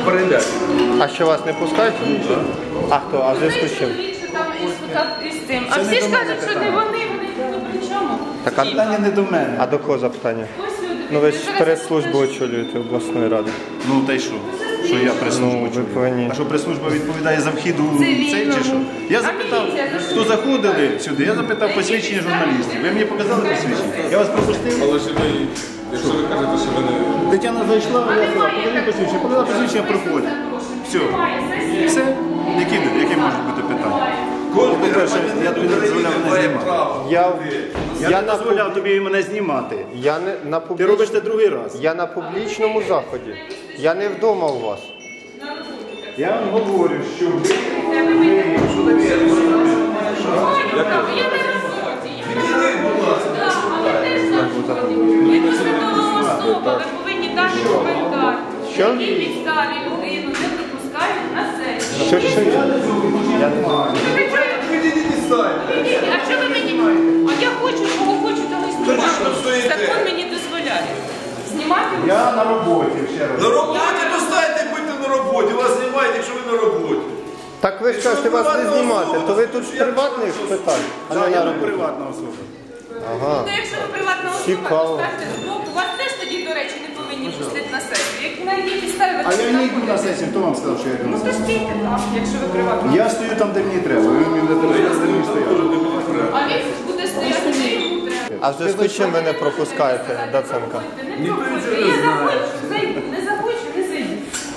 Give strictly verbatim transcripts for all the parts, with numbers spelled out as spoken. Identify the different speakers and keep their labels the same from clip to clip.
Speaker 1: перейде.
Speaker 2: А що вас не пускають? А хто? А в зв'язку з чим?
Speaker 3: А всі ж кажуть, що не вони, вони не при чому.
Speaker 2: Так, а
Speaker 4: Питання не до мене.
Speaker 2: А до кого запитання? Ну ви ж прес-службу очолюєте обласної ради.
Speaker 4: Ну та й що? Що я прес-службу
Speaker 2: Ну, ви
Speaker 4: очолюю?
Speaker 2: повинні.
Speaker 4: А що прес-служба відповідає за вхід у цей чи що? Я запитав, хто заходили сюди, я запитав посвідчення журналістів. Ви мені показали посвідчення? Я вас пропустив?
Speaker 1: Але ж ви, якщо ви кажете, що ви не...
Speaker 4: Тетяна зайшла, я сказав, покажи посвідчення, показала посвідчення, проходить. Все. Все? Які, які можуть бути питання? По-перше, я тобі не дозволяв мене знімати.
Speaker 2: Я,
Speaker 4: Я,
Speaker 2: я,
Speaker 4: не
Speaker 2: на,
Speaker 4: дозволяв тобі мене знімати.
Speaker 2: я, не, на
Speaker 4: Ти
Speaker 2: публіч...
Speaker 4: робиш це другий раз.
Speaker 2: я на публічному заході. Я не вдома у вас.
Speaker 4: Я вам говорю, що ви...
Speaker 3: Ви повинні дати коментар.
Speaker 2: Що?
Speaker 3: Які підставі людину не пропускають на сесію.
Speaker 2: Що, що я? Я не знаю.
Speaker 3: А що ви мені? А я хочу, кого хочу, того і знімати. Закон мені дозволяє. Знімати?
Speaker 4: Я на роботі, ще раз.
Speaker 1: На роботі достайте, будьте на роботі. Вас знімають, якщо ви на роботі.
Speaker 2: Так ви ж кажете, вас не знімати, то ви тут з приватних питань, а не
Speaker 4: Да,
Speaker 2: на
Speaker 4: я не
Speaker 2: роботі.
Speaker 4: приватна особа.
Speaker 2: Ага.
Speaker 3: Ну, якщо ви приватна особа,
Speaker 2: Цікаво.
Speaker 3: то ставте збоку. Вас теж тоді, до речі, не повинні пустити на сесію. Як на якій підставі ви
Speaker 4: А
Speaker 3: тут
Speaker 4: я не йду на
Speaker 3: знаходитесь?
Speaker 4: сесію, хто вам сказав, що я йду на
Speaker 3: Ну, то
Speaker 4: сесію?
Speaker 3: стійте там, якщо ви приватна особа.
Speaker 4: Я стою там, де мені треба. Ви мені не розказуєте, де мені стояти.
Speaker 3: А він буде стояти, де йому треба.
Speaker 2: А в зв'язку з чим ви не пропускаєте Даценка?
Speaker 3: Не проходьте. Я захочу, зайду. Не захочу, не зайду.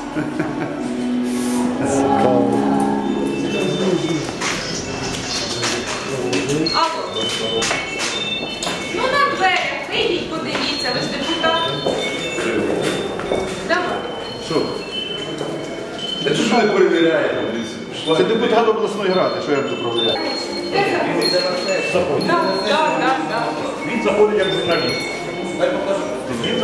Speaker 3: Алло. Ну на дверях, вийдіть, подивіться, ви ж депутат. Давай.
Speaker 4: Що?
Speaker 1: Це що ви перевіряєте?
Speaker 4: Це депутат обласної ради, що я буду проводити.
Speaker 3: Так, так, так, так.
Speaker 4: Він заходить як журналіст.